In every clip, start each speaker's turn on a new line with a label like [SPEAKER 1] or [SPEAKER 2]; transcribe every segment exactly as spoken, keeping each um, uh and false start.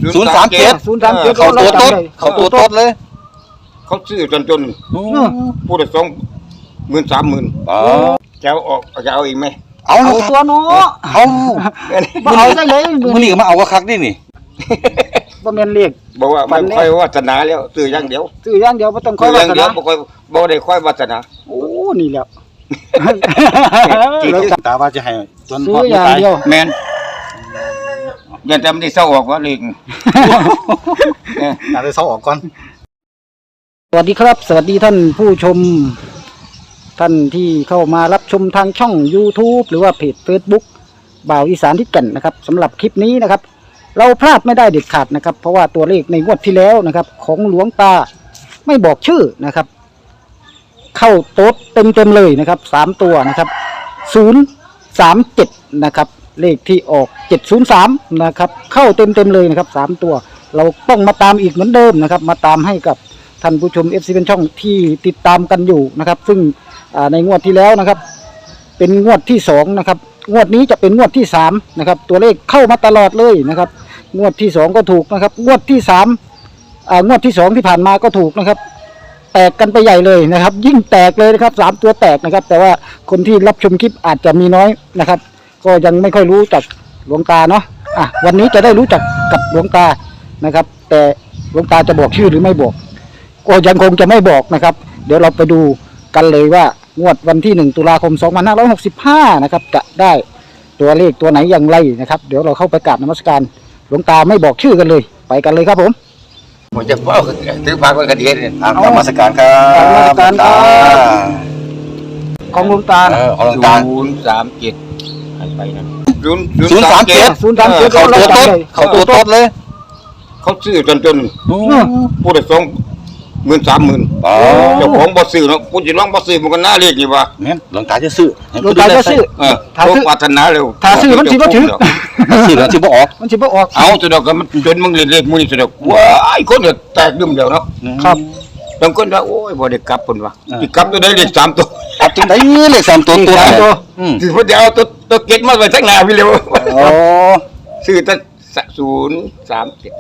[SPEAKER 1] ศูนย์สามเจ็ด
[SPEAKER 2] ศูนย์สามเจ็ด
[SPEAKER 1] เขาตัวต้นเขาตัวต้นเลย
[SPEAKER 3] เขาซื้อจนจนพูดได้สองหมื่นสามหมื่นจะเอาออกจะเอาอีกไหม
[SPEAKER 2] เอาตัวเนาะ
[SPEAKER 1] เอา
[SPEAKER 2] เอาได้เลย
[SPEAKER 1] มือนี่มาเอาก็คักนี่นี่
[SPEAKER 2] บ่แม่นเรียก
[SPEAKER 3] บอกว่าไม่ค่อยวาสนาแล้วซื้ออย่างเดียว
[SPEAKER 2] ซื้ออย่างเดียวบ่ต้องค่อยวาสนา
[SPEAKER 3] บ่ค่อยบ่ได้ค่อยวาสนา
[SPEAKER 2] โอ้นี่แหละ
[SPEAKER 1] ตาว่าจะให้จน
[SPEAKER 2] พออย่างเดียว
[SPEAKER 3] แม่นอย่าจำได้เศร้าออกว่าลิง
[SPEAKER 1] น่าจะเศร้าออกก่อน
[SPEAKER 2] สวัสดีครับสวัสดีท่านผู้ชมท่านที่เข้ามารับชมทางช่อง YouTube หรือว่าเพจ Facebook บ่าวอีสานทิศแก่นนะครับสำหรับคลิปนี้นะครับเราพลาดไม่ได้เด็ดขาดนะครับเพราะว่าตัวเลขในงวดที่แล้วนะครับของหลวงตาไม่บอกชื่อนะครับเข้าโต๊ดเต็มเต็มเลยนะครับสามตัวนะครับศูนย์สามเจ็ดนะครับเลขที่ออกเจ็ดศูนย์สามนะครับเข้าเต็มเต็มเลยนะครับสามตัวเราต้องมาตามอีกเหมือนเดิมนะครับมาตามให้กับท่านผู้ชม เอฟ ซี เป็นช่องที่ติดตามกันอยู่นะครับซึ่งในงวดที่แล้วนะครับเป็นงวดที่สองนะครับงวดนี้จะเป็นงวดที่สามนะครับตัวเลขเข้ามาตลอดเลยนะครับงวดที่สองก็ถูกนะครับงวดที่สามงวดที่สองที่ผ่านมาก็ถูกนะครับแตกกันไปใหญ่เลยนะครับยิ่งแตกเลยนะครับสามตัวแตกนะครับแต่ว่าคนที่รับชมคลิปอาจจะมีน้อยนะครับก็ยังไม่ค่อยรู้จักหลวงตาเนาะอ่ะวันนี้จะได้รู้จักกับหลวงตานะครับแต่หลวงตาจะบอกชื่อหรือไม่บอกก็ยังคงจะไม่บอกนะครับเดี๋ยวเราไปดูกันเลยว่างวดวันที่หนึ่งตุลาคมสองพันห้าร้อยหกสิบห้านะครับจะได้ตัวเลขตัวไหนอย่างไรนะครับเดี๋ยวเราเข้าไปกราบนมัสการหลวงตาไม่บอกชื่อกันเลยไปกันเลยครับผม
[SPEAKER 3] ผมจะเฝ้าถือพาคนกระเดียดเนี่ย
[SPEAKER 1] กราบนมัสการครับ
[SPEAKER 2] กราบนมัสการของหลวงตา
[SPEAKER 1] ของหลวงตา
[SPEAKER 3] ศูนย์สามเจ็ดไปนั่น
[SPEAKER 1] ศูนย์สามเจ็ด
[SPEAKER 2] ศูนย์สามเจ็ด
[SPEAKER 1] เขาตัวต้นเขาตัวต้นเลย
[SPEAKER 3] เขาซื้อจนจนพูดได้สองหมื่นสามหมื่นเจ้าของบ่ซื้อเนาะพูดจะร้องบ่ซื้อมันก็น่าเรียกอยู่ว่า
[SPEAKER 1] เนี่ยหลวงตาจะซื้อ
[SPEAKER 2] หลวงตาจะซื้อ
[SPEAKER 3] ถ้าซื้อปรารถนาเร็ว
[SPEAKER 2] ถ้าซื้อมันสิบ่ถึง
[SPEAKER 1] ซื้อแล้วสิบ่ออก
[SPEAKER 2] มันสิบ่ออก
[SPEAKER 3] เอาสุดอกก็มันจนมึงเรียกมึงนี่สุดอกว้ายคนเดียวแตกดึมเดียวเนาะ
[SPEAKER 2] ครับ
[SPEAKER 3] บางคนว่าโอ้ยบ่ได้กลับพุ่นว่าสิกลับตัวได้เลขสามตัว
[SPEAKER 1] กลับจังได๋เลขสามตัวตัว
[SPEAKER 2] ตัว
[SPEAKER 3] อืมสิเพิ่นจะเอาตัวตัวเก็ตมาไว้ข้างหน้าพี่เร็ว
[SPEAKER 1] อ๋อ
[SPEAKER 3] ซื้อแต่ศูนย์สามเจ็ด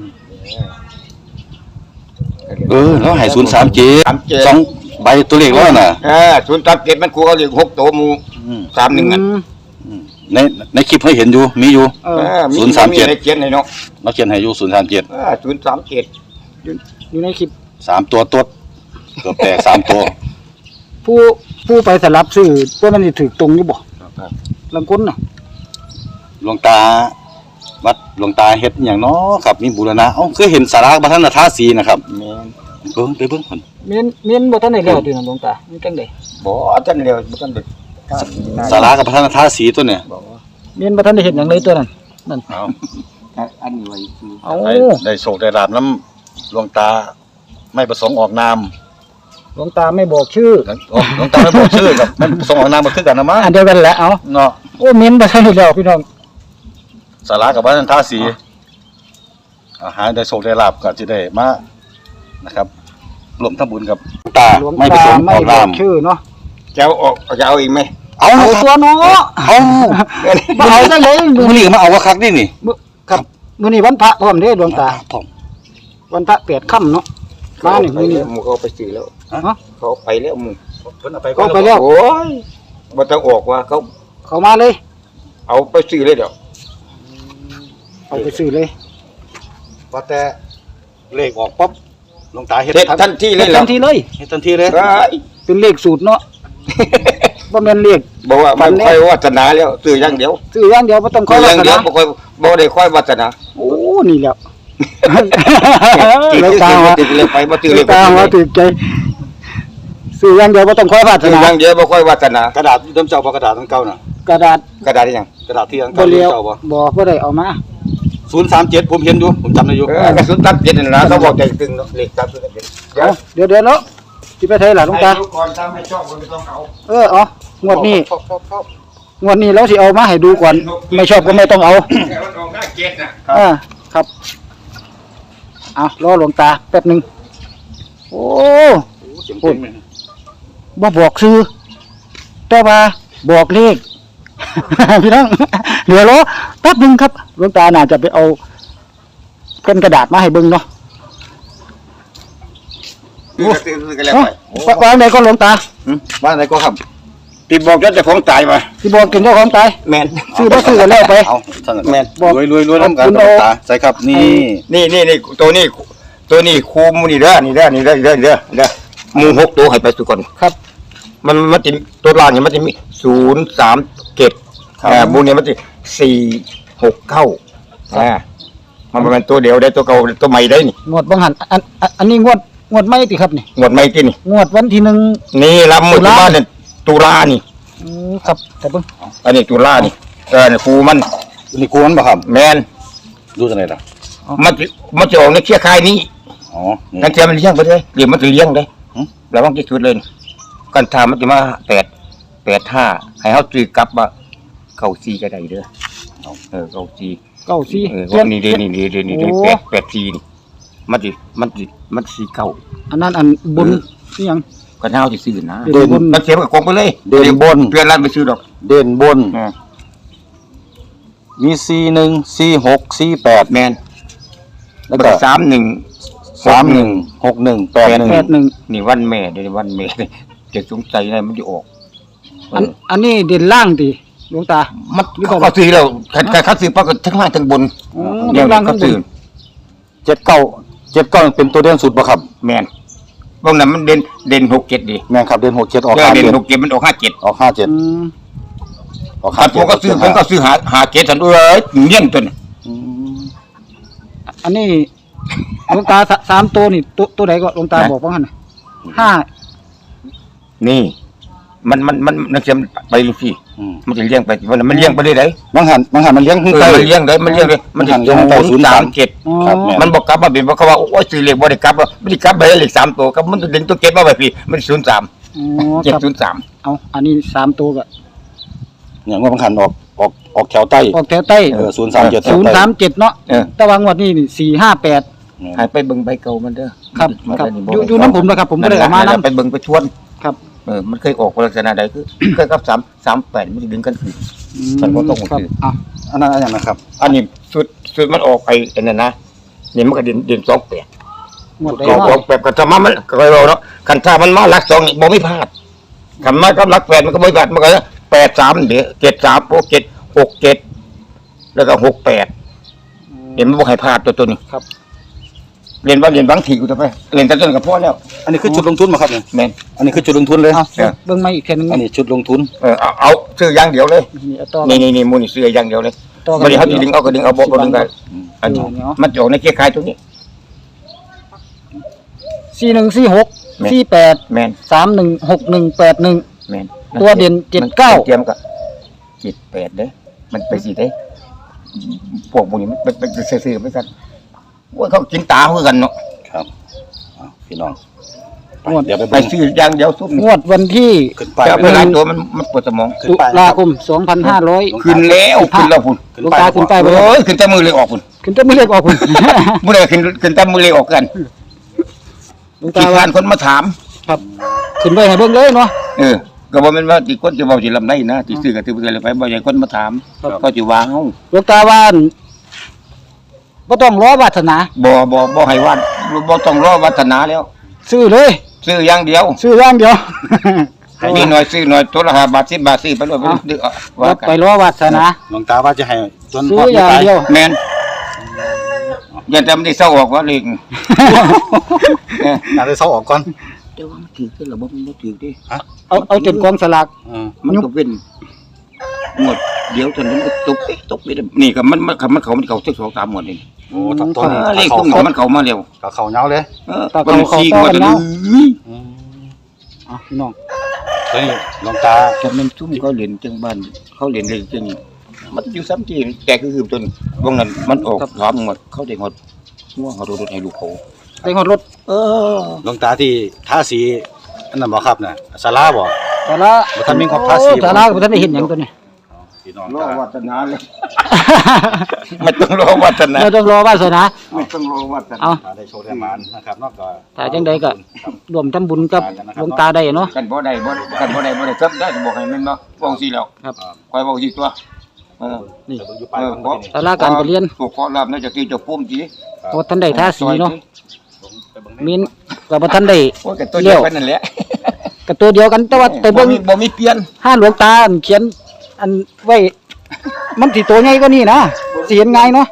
[SPEAKER 1] เออแล้วให้ศูนย์สามเจ็ดสองใบตัวเลขแล้วน่ะ
[SPEAKER 3] เออศูนย์สามเจ็ดมันกูเอาเลขหกตัวหมู่สามหนึ่งนั่น
[SPEAKER 1] ในในคลิปให้เห็นอยู่มีอยู่ศูนย์สามเจ็ด
[SPEAKER 3] เขียนให้เนาะ
[SPEAKER 1] เราเขียนให้อยู่ศูนย์สามเจ็ด
[SPEAKER 3] อ่าศูนย์สามเจ็ด
[SPEAKER 2] อยู่ในคลิป
[SPEAKER 1] สามตัวตดเกือบแตกสามตัว
[SPEAKER 2] ผู้ผู้ไปสลับซื้อตัวมันสิถูกตรงอยู่บ่ลังคนน่ะ
[SPEAKER 1] หลวงตาวัดหลวงตาเฮ็ดอย่างน้อครับมีบูรณะเอ้าเคยเห็นสาราพระท่านทาสีนะครับ
[SPEAKER 3] แม่น
[SPEAKER 1] เบิ่งไปเบิ่งเพิ่น
[SPEAKER 2] แม่นแม่นบ่ทันได้แล้วติหลวงตามันจังได๋
[SPEAKER 3] บ่ทันแล้วบ่ทันได้
[SPEAKER 1] สารากับพระท่านทาสีตัวเนี่ย
[SPEAKER 2] แม่นบ่ทันได้เฮ็ดหยังเลยตัวนั้นนั่น
[SPEAKER 3] เอาอันนี้ไว้คือ
[SPEAKER 2] เอา
[SPEAKER 1] ได้โชคได้ลาภนำหลวงตาไม่ประสงค์ออกนาม
[SPEAKER 2] หลวงตาไม่บอกชื่อ
[SPEAKER 1] หลวงตาไม่บอกชื่อกับไม่ประสงค์ออกนามบ่คือกันนะมั้ง
[SPEAKER 2] อันเดียวกันแหละเอา
[SPEAKER 1] เนาะ
[SPEAKER 2] โอ้แม่นบ่ทันได้แล้วพี่น้อง
[SPEAKER 1] สารากับพระท่านทาสีอาหารได้โชคได้ลาภก็จะได้มานะครับรวมทำบุญกับตาไม่ประสงค์ออกนาม
[SPEAKER 2] ชื่อเนาะ
[SPEAKER 3] จะเอาออกจะเอาอีกไหม
[SPEAKER 1] เอา
[SPEAKER 2] ตัวเนาะ
[SPEAKER 1] เอา
[SPEAKER 2] เอาได้เลย
[SPEAKER 1] มื้อนี้มาเอาว่าคักนี่นี่
[SPEAKER 2] ครับมื้อนี้วันพระพร้อมเด้หลวงตาพร้อมวันพระแปดค่ำเนาะมานี่มื้อนี้
[SPEAKER 3] หมู่เขาไปซื้อแล้ว
[SPEAKER 2] ฮะ
[SPEAKER 3] เขาไปแล้วหมู่
[SPEAKER 1] เพิ่นเอาไป
[SPEAKER 2] ก็ไปแล้ว
[SPEAKER 3] โอ้ยบ่ต้องออกว่าเขา
[SPEAKER 2] เขามาเลย
[SPEAKER 3] เอาไปซื้อเลยเดี๋ยว
[SPEAKER 2] เอาไปซื้อเลย
[SPEAKER 1] พอแต่เลขออกปั๊บหลวงตาเฮ็ด
[SPEAKER 3] ทันทีเลย
[SPEAKER 2] ทันทีเลย
[SPEAKER 1] เฮ็ดทันทีเลย
[SPEAKER 2] เป็นเลขสูตรเนาะบ่แม่นเลข
[SPEAKER 3] บอกว่ามันค่อยวาสนาแล้วซื้ออย่างเดียว
[SPEAKER 2] ซื้ออย่างเดียวบ่ต้องค่อยวาสนา
[SPEAKER 3] บ่ค่อยบ่ได้ค่อยวาสนา
[SPEAKER 2] โอ้นี่แหละ
[SPEAKER 3] แล้วตาว่าเลยไปบ่ซื้อเลย
[SPEAKER 2] ตาว่าถูกใจซื้ออย่างเดียวบ่ต้องค่อยวาสนา
[SPEAKER 3] อย่างเดียวบ่ค่อยวาสนาก
[SPEAKER 1] ระดาษเดิมเจ้าบ่กระดาษทั้งเก่าน่ะ
[SPEAKER 2] กระดาษ
[SPEAKER 3] กระดาษอีหยัง
[SPEAKER 1] กระดาษที่ทั้งเก่าเจ้าบ่
[SPEAKER 2] บ่บ่ได้เอามา
[SPEAKER 1] ศูนย์สามเจ็ดผมเห็นอยู่ผมจำได้อยู่
[SPEAKER 3] เออศูนย์สามเจ็ดนั่นล่ะเขาบอกใจตึงเนาะเลขสามศูนย์สามเจ็ด
[SPEAKER 2] เดี๋ยวเดี๋ยวเนาะสิไปไทยล่ะหลวงตา
[SPEAKER 3] ก่อนถ้าไม่ชอบก็ไม่ต้องเอา
[SPEAKER 2] เอออ๋องวดนี้งวดนี้แล้วสิเอามาให้ดูก่อนไม่ชอบก็ไม่ต้องเอา
[SPEAKER 3] แต่มันออกหน้าเจ็ดน่ะ
[SPEAKER 2] อ่าครับเอารอหลวงตาแป๊บนึงโอ้พูดบ่บอกซื้อแต่ว่าบอกเลขพี่น้องเดี๋ยวรอแป๊บนึงครับหลวงตาน่าจะไปเอาเป็นกระดาษมาให้เบิ่งเนาะ
[SPEAKER 3] ซื้อก็ซื้อซื้อก็แล้ว
[SPEAKER 2] เอ้า
[SPEAKER 3] ไป
[SPEAKER 2] วางไหนก็หลวงตา
[SPEAKER 3] หืมบ้านไหนก็ครับติดบอกเจ้าของตายมา
[SPEAKER 2] ที่บอกกินเจ้าของตาย
[SPEAKER 3] แมน
[SPEAKER 2] ซื้อบ่ซื้อกันแล้วไป
[SPEAKER 1] เอาท่าน
[SPEAKER 3] แม่น
[SPEAKER 1] บอกรวยรวยรวยน้ำกัน
[SPEAKER 2] คุณ
[SPEAKER 1] ต
[SPEAKER 2] โอ
[SPEAKER 1] าใช่ครับนี่
[SPEAKER 3] นี่นี่นี่ตัวนี้ตัวนี้คูมนี่เด้อนี่เด้อนี่เด้อนี่เด้อนี่เด้อนี่เด้อหมูหกตัวให้ไปสุก่อน
[SPEAKER 2] ครับ
[SPEAKER 3] มันมันจะตัวล่างเนี่ยมันจะมีศูนย์สามเจ็ดอ่าบูเนี่ยมันจะสี่หกเก้าอ่ามันเป็นตัวเดียวได้ตัวเก่าตัวใหม่ได้นี่
[SPEAKER 2] งวดบังหันอันอันอันนี้งวดงวดไม่ติครับนี่
[SPEAKER 3] หมดใหม่ที่นี่
[SPEAKER 2] งวดวันที่หนึ่ง
[SPEAKER 3] นี่รับหมด
[SPEAKER 2] ตุลา
[SPEAKER 3] บ้านเนี่ยตุลานี่
[SPEAKER 2] อืมครับแต่เบิ่ง
[SPEAKER 3] อันนี้ตุลานี่เออเนี่ยครูมัน
[SPEAKER 1] นี่กูมันบ่ครับ
[SPEAKER 3] แมน
[SPEAKER 1] ดูจังไดล่ะ
[SPEAKER 3] มันจะมันจะออกในเคียคายนี้
[SPEAKER 1] อ๋อนี่
[SPEAKER 3] นั่นเทียมันเลี้ยงไปเลยเดี๋ยวมันจะเลี้ยงเลย
[SPEAKER 1] หืม
[SPEAKER 3] ระวังที่สุดเลยกันทามันจะมาแปดแปดห้าให้เขาตีกลับว่าเก้าซีก็ได้เด้อเออเก้าซี
[SPEAKER 2] เก้าสี่
[SPEAKER 3] เออ
[SPEAKER 2] เขียน
[SPEAKER 3] นี่เด้นี่เด้นี่เด้
[SPEAKER 2] โอ้
[SPEAKER 3] แปดแปดซีนี่มันสิมันสิมันสีเก้า
[SPEAKER 2] อันนั้นอันบนนี่ยัง
[SPEAKER 3] ก็เท้าที่ซื้อนะ
[SPEAKER 2] เด่นบน
[SPEAKER 3] มันเสียกับกองไปเลย
[SPEAKER 1] เด่นบน
[SPEAKER 3] เปลี่ยนร้านไปซื้อดอก
[SPEAKER 1] เด่นบน
[SPEAKER 3] อ่า
[SPEAKER 1] มีสี่หนึ่งสี่หกสี่แปด
[SPEAKER 3] แมน
[SPEAKER 1] แล้ว
[SPEAKER 3] ก็
[SPEAKER 1] ก็
[SPEAKER 3] สามหนึ่ง
[SPEAKER 1] สามหนึ่งหกหนึ่งแปดหนึ่ง
[SPEAKER 2] แปดหนึ่ง
[SPEAKER 3] นี่วันแม่เดี๋ยววันแม่จะสงสัยอะไรมันจะออก
[SPEAKER 2] อันอันนี้เด่นล่างติหลวงตา
[SPEAKER 3] มันเขาก็ซื้อแล้วคันคันเขาซื้อปรากฏทั้งล่างทั้งบน
[SPEAKER 2] อ๋อ
[SPEAKER 3] เนี่ย
[SPEAKER 2] ทั้งล่างทั้
[SPEAKER 3] เขา
[SPEAKER 2] งบน
[SPEAKER 3] ซื้อ
[SPEAKER 1] เจ็ดเก้าเจ็ดเก้าเป็นตัวเด่นสุดบ่ครับ
[SPEAKER 3] แมนพวกนั้นมันเด่นเด่นหกเจ็ดดิ
[SPEAKER 1] แม่นครับเด่นหกเจ็ดออก
[SPEAKER 3] เออ
[SPEAKER 1] ห้า
[SPEAKER 3] เด่น
[SPEAKER 1] เจ็ด
[SPEAKER 3] หกเจ็ดมันออกห้าเจ็ด
[SPEAKER 1] ออกห้าเจ็ด
[SPEAKER 2] อืม
[SPEAKER 1] ออก
[SPEAKER 3] ครั
[SPEAKER 1] ห้า
[SPEAKER 3] บผ
[SPEAKER 1] เจ็ด
[SPEAKER 3] มก็ซื้อผมก็ซื้อหาหาเจ็ดสันเอ้ยเงี้ยนตัวนี้
[SPEAKER 1] อืม
[SPEAKER 2] อันนี้หลวงตาสสามตัวนี่ตัวตัวไหนก็หลวงตาบอกว่าหันน่ะห้า
[SPEAKER 3] นี่ มันมันมันนักเสียมไปลูกพี่
[SPEAKER 1] อืม
[SPEAKER 3] มันจะเลี้ยงไปวันนั้นมันเลี้ยงไปได้ไหน
[SPEAKER 1] บางหันบางหันมันเลี้ยงขึ้น
[SPEAKER 3] เออ
[SPEAKER 1] ใต้
[SPEAKER 3] มันเลี้ยงได้มันเลี้ยงได้มันจะ
[SPEAKER 1] มันเลี้ยงได้
[SPEAKER 3] ศูนย์สามเจ็ด
[SPEAKER 2] อ๋อ
[SPEAKER 1] ครับแม่
[SPEAKER 3] มันบอกกลับมาเป็นเพราะเขาว่าโอ้ยซื้อเลขบ่ได้กลับว่าไม่ได้กลับไปเลขสามตัวครับมันจะเด่นตัวเจ็ดมาไปพี่มันศูนย์สาม
[SPEAKER 2] อ๋อ
[SPEAKER 3] เจ็ด
[SPEAKER 2] ครับ
[SPEAKER 3] ศูนย์สาม
[SPEAKER 2] เอาอันนี้สามตัวก็
[SPEAKER 1] เนี่ยว่าบางหันออกออกออกแถวใต้
[SPEAKER 2] ออกแถวใต้
[SPEAKER 1] เออศูนย์สามเจ็ด
[SPEAKER 2] ศูนย์สามเจ็ดเนาะ
[SPEAKER 3] เออ
[SPEAKER 2] ตะวันงวดนี้นี่สี่ห้าแปด
[SPEAKER 3] ให้ไปเบิ่งใบเก่ามันเด้อ
[SPEAKER 2] ครับ
[SPEAKER 3] มัน
[SPEAKER 2] ครับ
[SPEAKER 3] ได้
[SPEAKER 2] อยู่อยู่น้ำผมนะครับผมไม่ได้เออกมา
[SPEAKER 3] นั่นแหละ
[SPEAKER 2] น้ำ
[SPEAKER 3] ไปเบิ่งไปชวน
[SPEAKER 2] ครับ
[SPEAKER 3] เออมันเคยออกลักษณะใดคือ เคยกับสามสามแปดมันจะดึงกันคือ
[SPEAKER 2] อื
[SPEAKER 3] มันก็ต้อง
[SPEAKER 2] ครับ
[SPEAKER 3] ถือ
[SPEAKER 2] เอา
[SPEAKER 1] อันนั้นอันนั้นนะครับ
[SPEAKER 3] อันนี้สุดสุดมันออกไปอันนั้นนะนี่มันก็เด่นเด่นสองแปด
[SPEAKER 2] งวดใด
[SPEAKER 3] ออกอ
[SPEAKER 2] เนาะ
[SPEAKER 3] อกแบบกันธรรมะมันก็เราเนาะคันถ้ามันมาหลักสองนี่บ่ไม่พลาดคันมากับหลักแปดมันก็ไม่พลาดมันก็แปดสามเดี๋ยวเจ็ดสามโอ้เจ็ดหกเจ็ดแล้วก็หกแปดเห็นมันบ่ให้พลาดตัวตัวนี้
[SPEAKER 2] ครับ
[SPEAKER 3] เรียนว่าเรียนบางทีกูจะไปเรียนแต่ต้นกับพ่อแล้ว
[SPEAKER 1] อันนี้คือจุดลงทุนมาครับเนี่ย
[SPEAKER 3] แม่น
[SPEAKER 1] อันนี้คือจุดลงทุนเลย
[SPEAKER 2] เอาเบิ่งมาอีกเทีนึง
[SPEAKER 1] อันนี้จุดลงทุน
[SPEAKER 3] เออเอาเอาซื้ออย่างเดียวเลย
[SPEAKER 2] นี่เอาต่อ
[SPEAKER 3] นี่นี่นี่มูนี่ซื้ออย่างเดียวเลย
[SPEAKER 2] ต่อกั
[SPEAKER 3] ไม่ได้เขาจะดึงเอาก็ดึงเอาบ่ก็ดึงกันอันนี้
[SPEAKER 2] เดี๋ยว
[SPEAKER 3] มันจะออกในเกียร์คายตรงนี้
[SPEAKER 2] สี่หนึ่งสี่หก
[SPEAKER 3] แม่น
[SPEAKER 2] สี่แปด
[SPEAKER 3] แม่น
[SPEAKER 2] สามหนึ่งหกหนึ่งแปดหนึ่ง
[SPEAKER 3] แม่น
[SPEAKER 2] ตัวเด่นเจ็ดเก้า
[SPEAKER 3] เตรียมกับเจ็ดแปดเด้อมันไปสิเด้พวกพวกนี้มันเป็นซื่อๆไม่กันว่าเขากินตาเพื่อกันเนาะ
[SPEAKER 1] ครับอ้าวพี่น้องไป
[SPEAKER 2] งวด
[SPEAKER 1] เดี๋ยวไป
[SPEAKER 3] ไป
[SPEAKER 1] เบิ่ง
[SPEAKER 3] ซื้ออย่างเดียวซุ่ม
[SPEAKER 2] งวดวันที่
[SPEAKER 1] ขึ้นไป
[SPEAKER 3] แต่
[SPEAKER 1] ไป
[SPEAKER 3] เวลา
[SPEAKER 1] เบิ่ง
[SPEAKER 3] ตัวมันมันปวดสมอง
[SPEAKER 1] ขึ้น
[SPEAKER 2] ตุ
[SPEAKER 1] ไป
[SPEAKER 2] ลาคมสองพันห้าร้อย
[SPEAKER 3] ขึ้นแล้วขึ้นแล้วพุ่น
[SPEAKER 1] ขึ้น
[SPEAKER 2] หลวง
[SPEAKER 1] ไป
[SPEAKER 2] ตาขึ้นไปบ่
[SPEAKER 3] โอ้ยขึ้นแต่มือเลยออกพุ่น
[SPEAKER 2] ขึ้นจะไม่เรียกออกคุณ
[SPEAKER 3] มื่อไรขึ้นขึ้นแต่มือเลยออกกัน
[SPEAKER 2] หลวง
[SPEAKER 3] ขี้
[SPEAKER 2] ตา
[SPEAKER 3] ค
[SPEAKER 2] ว่า
[SPEAKER 3] ร้านคนมาถาม
[SPEAKER 2] ครับขึ้นไปให้เบิ่งเลยเนาะ
[SPEAKER 3] เออก็บอกมันว่าที่คนจะบอกที่ลำได้นะที่ซื้อกับที่เพื่อนเลยไปบอกอย่างคนมาถาม
[SPEAKER 2] ครับ
[SPEAKER 3] ก็จะวางเอา
[SPEAKER 2] หลวงตาว่าบ่ต้องรอวาสนา
[SPEAKER 3] บ่บ่บ่ให้วัดบ่ต้องรอวัฒนาแล้ว
[SPEAKER 2] ซื้อเลย
[SPEAKER 3] ซื้ออย่างเดียว
[SPEAKER 2] ซื้ออย่างเดียว
[SPEAKER 3] ให้นี่หน่อยซื้อหน่อยตัวละห้าบาทสิบบาทซื้อไปเลยไป
[SPEAKER 2] เอา
[SPEAKER 3] ดื้อเอา
[SPEAKER 2] ว่า
[SPEAKER 3] ว่ากัน
[SPEAKER 2] ไปรอวาสนา
[SPEAKER 1] หลวงตาว่าจะให้จน
[SPEAKER 2] ซื้ออย่างเดียว
[SPEAKER 3] แม่นอย่าแต่มันได้เศร้าออกว่าเลยเออ
[SPEAKER 1] ตาได้เซาออกก่อน
[SPEAKER 3] แต่ว่ามันถือขึ้นระบบมันบ่ถือดิ
[SPEAKER 2] เอาเอาจนกองสลาก
[SPEAKER 1] เออ
[SPEAKER 3] มันก็เป็นหมดเดี๋ยวจนมันก็ตกเอ๊ะตกไปเด้อนี่ก็มันมันมันเขามันเขาสักสองสามหมดนี่
[SPEAKER 1] โอ้ตับต้น
[SPEAKER 3] เออเลข
[SPEAKER 1] เขา
[SPEAKER 3] พวกนี้มันเข้ามาเร็ว
[SPEAKER 1] เขาเขาเหงาเลย
[SPEAKER 3] เออ
[SPEAKER 2] ตา
[SPEAKER 3] มัน
[SPEAKER 2] เขา
[SPEAKER 3] ซี
[SPEAKER 2] เขา
[SPEAKER 3] กว่า
[SPEAKER 2] ต่อกัน
[SPEAKER 3] เล
[SPEAKER 2] เนาะ
[SPEAKER 3] ย
[SPEAKER 1] อืม
[SPEAKER 2] อ่ะพี่น้อง
[SPEAKER 1] ตัวนี้หลวงตา
[SPEAKER 3] จะมันซุ่มเขาเรียนจังบ้าน เขาเรียนเลยจังมันอยู่ซ้ำที่แต่คือคือต้นวงนั้นมันออกถามหมดเขาได้หมดง่วงเขาโดนให้ลูกเขา
[SPEAKER 2] ได้ฮอดรถ
[SPEAKER 3] เออ
[SPEAKER 1] หลวงตาที่ทาสีอันนั้นบ่ครับน่ะศาลาบ่
[SPEAKER 2] แต่ละ
[SPEAKER 1] บ่ทันมีครบภาษี
[SPEAKER 2] โอ้แต่ละก็บ่ทันได้เห็นหยังตัวนี้
[SPEAKER 1] พี่น้อง
[SPEAKER 3] รอ
[SPEAKER 1] ตา
[SPEAKER 3] วัฒนาเลยไม่ต้องรอวัฒนา
[SPEAKER 2] เราต้องรอวาสนา
[SPEAKER 3] ไม่ต้องรอวัฒนา
[SPEAKER 2] เอา
[SPEAKER 1] ตาได้โชว์ได้มานนะครับเนอกก็
[SPEAKER 2] ถ้าจังใดก็รวมทำบุญกับหลวงตาได้เนาะ
[SPEAKER 3] กันบ่ได้บ่กันบ่ได้บ่ได้ซับได้ก็บอกให้มันเนาะบอกสิแล้ว
[SPEAKER 2] ครับ
[SPEAKER 3] คอยบอกสิตัวเออ
[SPEAKER 2] นี่
[SPEAKER 1] เบิ่งอยู่ปลายมันบ่นี่
[SPEAKER 2] ศาลาการประเรียน
[SPEAKER 3] พวกขอลาบน่าจะกี่จะพุ่มจี
[SPEAKER 2] เพราะท่านได้ทาสีเนาะ
[SPEAKER 1] ไปเบิ่ง
[SPEAKER 2] มีนกับท่านได้
[SPEAKER 3] โอ้ยกันตัวเดียวกันนั่นแหละ
[SPEAKER 2] กับตัวเดียวกันแต่ว่าแต่
[SPEAKER 3] บ่
[SPEAKER 2] เบิ่ง
[SPEAKER 3] มีบ่มีเปลี่ยน
[SPEAKER 2] ห้าหลวงตาอันเขียน อันไว้ มันสิตัวใหญ่กว่านี้นะสิเห็นง่ายเนาะ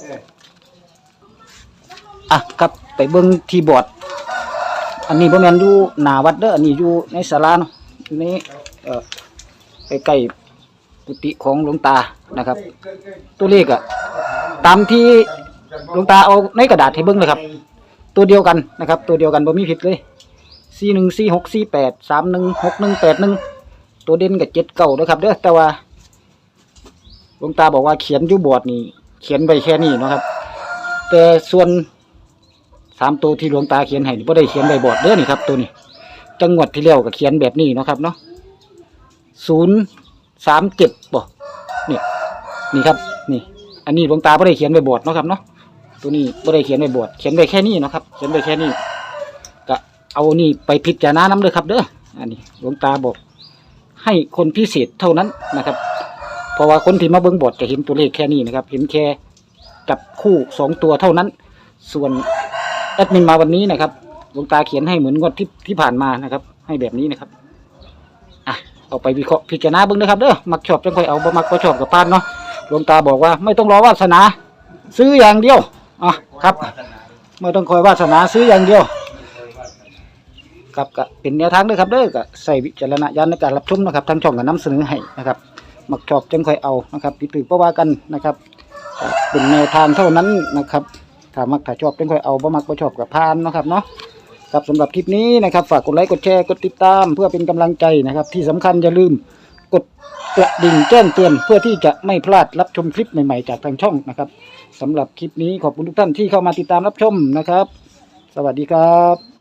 [SPEAKER 2] อ่ะครับไปเบิ่งที่บอร์ดอันนี้บ่แม่นอยู่หน้าวัดเด้ออันนี้อยู่ในศาลาเนาะอยู่ในเอ่อใกล้ๆกุฏิของหลวงตานะครับ ตัวเลขอะตามที่หลวงตาเอาในกระดาษให้เบิ่งเลยครับ ตัวเดียวกันนะครับ ตัวเดียวกันบ่มีผิดเลยสี่หนึ่งสี่หกสี่แปดสามหนึ่งหกหนึ่งแปดหนึ่งตัวเด่นกับเจ็ดเก้าด้วยครับเด้อแต่ว่าหลวงตาบอกว่าเขียนอยู่บอร์ดนี่เขียนไปแค่นี้เนาะครับ แต่ส่วนสามตัวที่หลวงตาเขียนให้นี่บ่ได้เขียนใบบอร์ดเด้อนี่ครับ ตัวนี้จังหวัดที่แล้วก็เขียนแบบนี้เนาะครับเนาะศูนย์สามเจ็ดบ่นี่นี่ครับนี่ อันนี้หลวงตาบ่ได้เขียนใบบอร์ดเนาะครับเนาะตัวนี้บ่ได้เขียนใบบอร์ดเขียนไปแค่นี้เนาะครับเขียนไปแค่นี้ก็เอานี่ไปพิจารณาน้ำเลยครับเด้ออันนี้หลวงตาบอกให้คนพิเศษเท่านั้นนะครับเพราะว่าคนที่มาเบิ่งบอร์ดจะเห็นตัวเลขแค่นี้นะครับเห็นแค่จับคู่สองตัวเท่านั้น ส่วนแอดมินมาวันนี้นะครับหลวงตาเขียนให้เหมือนงวดที่ที่ผ่านมานะครับ ให้แบบนี้นะครับอ่ะเอาไปวิเคราะห์พิจารณาเบิ่งนะครับเด้อมักชอบจังค่อยเอาบ่มักก็ชอบกับพานเนาะหลวงตาบอกว่าไม่ต้องรอวาสนา ซื้ออย่างเดียวอ่ะครับไม่ต้องคอยวาสนาซื้ออย่างเดียวครับก็เป็นแนวทางด้วยครับเด้อก็ใส่วิจารณญาณในการรับชมนะครับทางช่องก็นำเสนอให้นะครับมักชอบจังค่อยเอานะครับผิดถูกก็ว่ากันนะครับก็เป็นแนวทางเท่านั้นนะครับถ้ามักถ้าชอบจังค่อยเอาบ่มักบ่ชอบกับพานเนาะครับเนาะครับสำหรับคลิปนี้นะครับฝากกดไลค์กดแชร์กดติดตามเพื่อเป็นกำลังใจนะครับที่สำคัญอย่าลืมกดกระดิ่งแจ้งเตือนเพื่อที่จะไม่พลาดรับชมคลิปใหม่ๆจากทางช่องนะครับสำหรับคลิปนี้ขอบคุณทุกท่านที่เข้ามาติดตามรับชมนะครับสวัสดีครับ